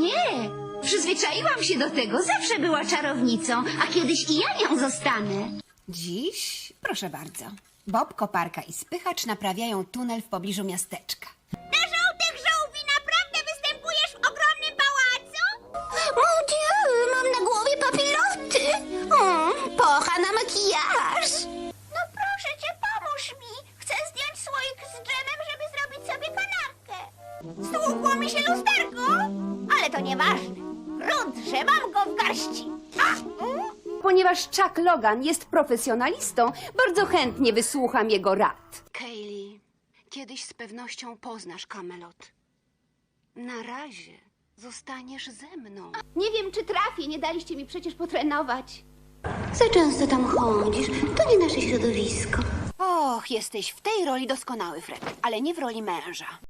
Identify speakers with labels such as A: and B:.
A: Nie, przyzwyczaiłam się do tego. Zawsze była czarownicą, a kiedyś i ja nią zostanę.
B: Dziś, proszę bardzo, Bob, koparka i spychacz naprawiają tunel w pobliżu miasteczka.
C: Na żółtych żółwi naprawdę występujesz w ogromnym pałacu?
D: Mon Dieu, mam na głowie papiloty. Pocha na makijaż.
C: No proszę cię, pomóż mi. Chcę zdjąć słoik z dżemem, żeby zrobić sobie kanapkę. Stłukło mi się lusterko, ale to nieważne. Grunt, że mam go w garści.
E: Ponieważ Chuck Logan jest profesjonalistą, bardzo chętnie wysłucham jego rad.
B: Kaylee, kiedyś z pewnością poznasz Camelot. Na razie zostaniesz ze mną.
D: Nie wiem, czy trafię. Nie daliście mi przecież potrenować.
A: Za często tam chodzisz. To nie nasze środowisko.
B: Och, jesteś w tej roli doskonały, Fred, ale nie w roli męża.